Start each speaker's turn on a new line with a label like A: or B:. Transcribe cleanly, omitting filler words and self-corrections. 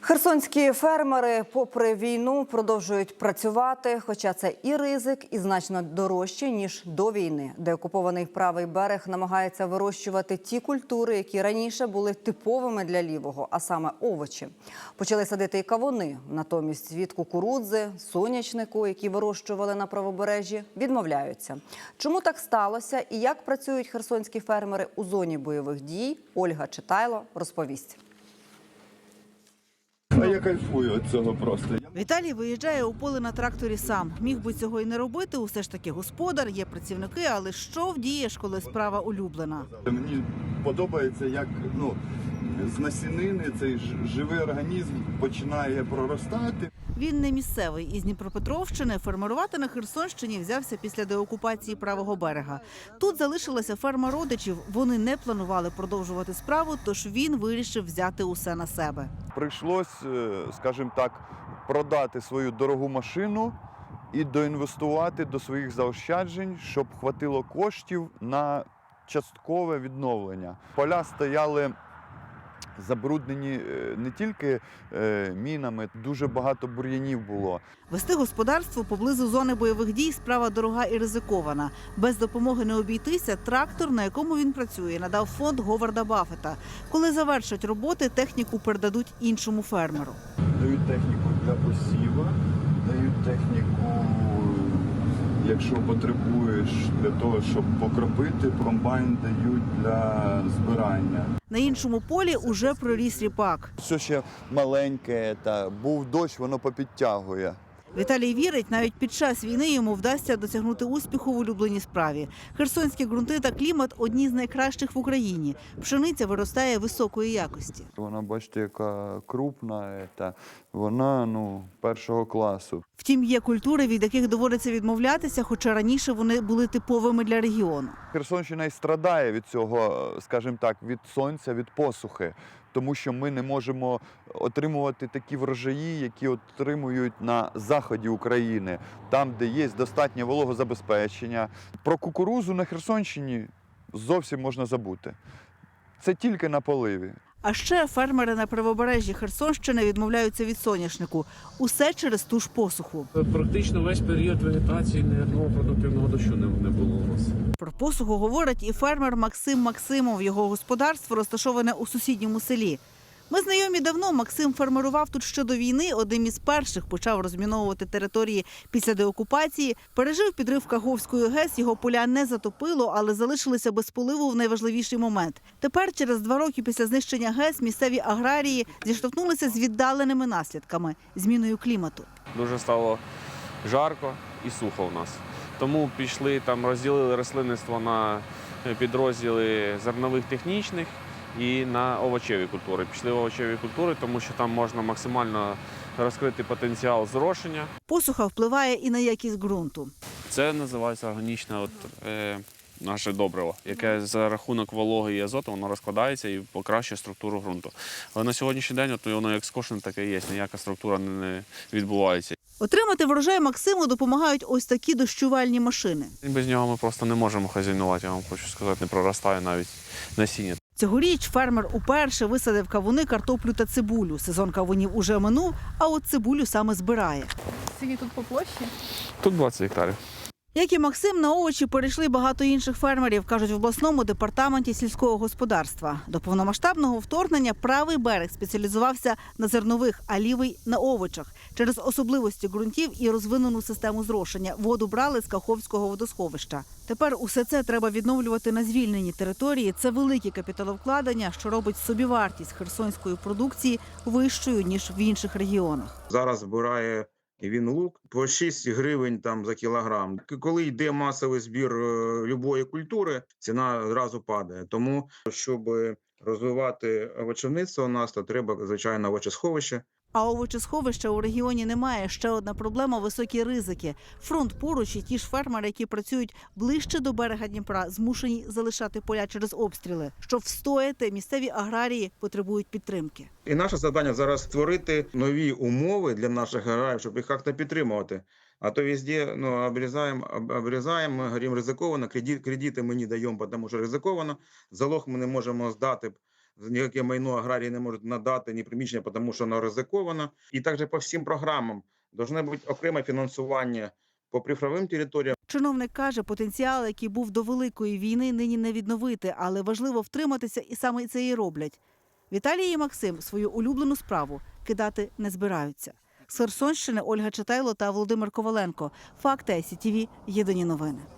A: Херсонські фермери, попри війну, продовжують працювати, хоча це і ризик, і значно дорожче, ніж до війни. Деокупований правий берег намагається вирощувати ті культури, які раніше були типовими для лівого, а саме овочі. Почали садити і кавуни. Натомість від кукурудзи, соняшнику, які вирощували на правобережжі, відмовляються. Чому так сталося і як працюють херсонські фермери у зоні бойових дій, Ольга Читайло розповість.
B: А я кайфую від цього просто.
C: Віталій виїжджає у поле на тракторі сам. Міг би цього і не робити, усе ж таки господар, є працівники, але що вдієш, коли справа улюблена?
B: Мені подобається, як з насінини цей живий організм починає проростати.
C: Він не місцевий, із Дніпропетровщини. Фермерувати на Херсонщині взявся після деокупації правого берега. Тут залишилася ферма родичів. Вони не планували продовжувати справу, тож він вирішив взяти усе на себе.
B: Прийшлось, скажімо так, продати свою дорогу машину і доінвестувати до своїх заощаджень, щоб хватило коштів на часткове відновлення. Поля стояли забруднені не тільки мінами, дуже багато бур'янів було.
C: Вести господарство поблизу зони бойових дій – справа дорога і ризикована. Без допомоги не обійтися. Трактор, на якому він працює, надав фонд Говарда Баффета. Коли завершать роботи, техніку передадуть іншому фермеру.
B: Дають техніку для посіву, дають техніку, якщо потребуєш, для того, щоб покропити, комбайн дають для збирання.
C: На іншому полі уже проріс ріпак.
B: Все ще маленьке, був дощ, воно попідтягує.
C: Віталій вірить, навіть під час війни йому вдасться досягнути успіху в улюбленій справі. Херсонські ґрунти та клімат – одні з найкращих в Україні. Пшениця виростає високої якості.
B: Вона, бачите, яка крупна, вона першого класу.
C: Втім, є культури, від яких доводиться відмовлятися, хоча раніше вони були типовими для регіону.
B: Херсонщина і страдає від цього, скажімо так, від сонця, від посухи. Тому що ми не можемо отримувати такі врожаї, які отримують на заході України, там, де є достатнє вологозабезпечення. Про кукурудзу на Херсонщині зовсім можна забути. Це тільки на поливі.
C: А ще фермери на правобережжі Херсонщини відмовляються від соняшнику. Усе через ту ж посуху.
D: Практично весь період вегетації ні одного продуктивного дощу не було у нас.
C: Про посуху говорить і фермер Максим Максимов. Його господарство розташоване у сусідньому селі. Ми знайомі давно. Максим фермерував тут ще до війни. Одним із перших почав розміновувати території після деокупації. Пережив підрив Каховської ГЕС, його поля не затопило, але залишилися без поливу в найважливіший момент. Тепер, через 2 роки після знищення ГЕС, місцеві аграрії зіштовхнулися з віддаленими наслідками – зміною клімату.
D: Дуже стало жарко і сухо у нас. Тому пішли, розділили рослинництво на підрозділи зернових технічних і на овочеві культури. Пішли в овочеві культури, тому що там можна максимально розкрити потенціал зрошення.
C: Посуха впливає і на якість ґрунту.
D: Це називається органічне наше добриво, яке за рахунок вологи і азоту воно розкладається і покращує структуру ґрунту. Але на сьогоднішній день воно як скошене, таке є, ніяка структура не відбувається.
C: Отримати врожай Максиму допомагають ось такі дощувальні машини.
D: Без нього ми просто не можемо хазяйнувати, я вам хочу сказати, не проростає навіть насіння.
C: Цьогоріч фермер уперше висадив кавуни, картоплю та цибулю. Сезон кавунів уже минув, а от цибулю саме збирає.
E: Скільки тут по площі?
D: Тут 20 гектарів.
C: Як і Максим, на овочі перейшли багато інших фермерів, кажуть в обласному департаменті сільського господарства. До повномасштабного вторгнення правий берег спеціалізувався на зернових, а лівий – на овочах. Через особливості ґрунтів і розвинену систему зрошення воду брали з Каховського водосховища. Тепер усе це треба відновлювати на звільненій території. Це великі капіталовкладення, що робить собівартість херсонської продукції вищою, ніж в інших регіонах.
F: Зараз збирає він лук по 6 гривень за кілограм. Коли йде масовий збір будь-якої культури, ціна одразу падає. Тому, щоб розвивати овочівництво у нас, то треба, звичайно, овочесховище.
C: А овочесховища у регіоні немає. Ще одна проблема – високі ризики. Фронт поруч і ті ж фермери, які працюють ближче до берега Дніпра, змушені залишати поля через обстріли. Щоб встояти, місцеві аграрії потребують підтримки.
F: І наше завдання зараз створити нові умови для наших аграріїв, щоб їх як-то підтримувати. А то везде обрізаємо, ми говоримо ризиковано, кредити ми не даємо, тому що ризиковано. Залог ми не можемо здати ніяке майно аграрії не можуть надати, ні приміщення, тому що воно ризиковано. І також по всім програмам повинно бути окреме фінансування по прифронтовим територіям.
C: Чиновник каже, потенціал, який був до Великої війни, нині не відновити, але важливо втриматися, і саме це і роблять. Віталій і Максим свою улюблену справу кидати не збираються. З Херсонщини Ольга Читайло та Володимир Коваленко. Факти ICTV. Єдині новини.